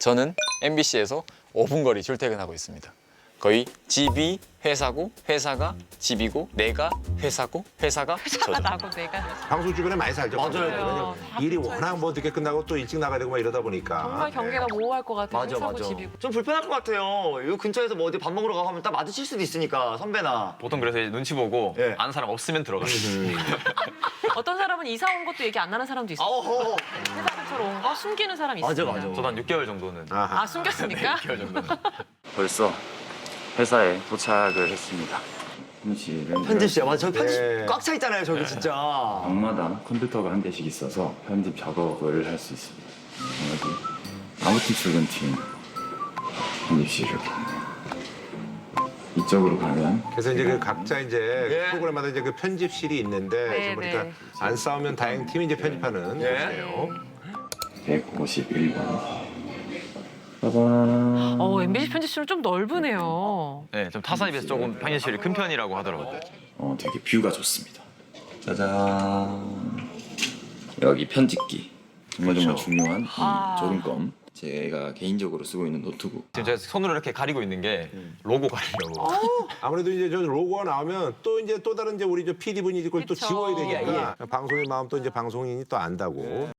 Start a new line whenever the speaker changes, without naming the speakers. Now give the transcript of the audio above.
저는 MBC에서 5분 거리 출퇴근하고 있습니다. 거의 집이 회사고 회사가 집이고 내가 회사고 회사가 저죠.
나고 내가
방송 주변에 많이 살죠.
맞아요.
왜냐면 일이 워낙 뭐 늦게 끝나고 또 일찍 나가야 되고 막 이러다 보니까.
정말 경계가 모호할 것 같아요.
맞아,
회사고
맞아.
집이고.
좀 불편할 것 같아요. 이 근처에서 뭐 어디 밥 먹으러 가고 하면 딱 마주칠 수도 있으니까, 선배나.
보통 그래서 이제 눈치 보고
예.
아는 사람 없으면 들어가요.
어떤 사람은 이사 온 것도 얘기 안 하는 사람도 있어요.
어허.
회사 근처로 온 거 숨기는 사람이 있어요.
맞아.
저도 한 6개월 정도는.
아하.
아, 숨겼습니까?
6개월 정도는.
벌써 회사에 도착을 했습니다. 편집실은
편집실. 맞아, 저기 편집
네.
꽉 차 있잖아요, 저기 진짜.
방마다 컴퓨터가 한 대씩 있어서 편집 작업을 할 수 있습니다. 여기 아무튼 출근팀 편집실 이렇게 이쪽으로 가면
그래서 이제 그 각자 이제
예.
프로그램마다 이제 그 편집실이 있는데
네,
지금 보니까
네.
안 싸우면 다행 팀이 이제 편집하는
예.
곳이에요.
151번. 빠밤.
MBC 편집실은 좀 넓으네요.
네, 좀 타사에 비해서 조금 편집실이 큰 편이라고 하더라고요.
되게 뷰가 좋습니다. 짜잔. 여기 편집기. 정말 중요한 이
아.
조준검. 제가 개인적으로 쓰고 있는 노트북.
지금 제가 손으로 이렇게 가리고 있는 게 로고 가리려고.
아무래도 이제 저 로고가 나오면 또 이제 또 다른 이제 우리 저 PD 분이 이걸 또
그쵸.
지워야 되니까 방송인 마음 또 이제 방송인이 또 안다고.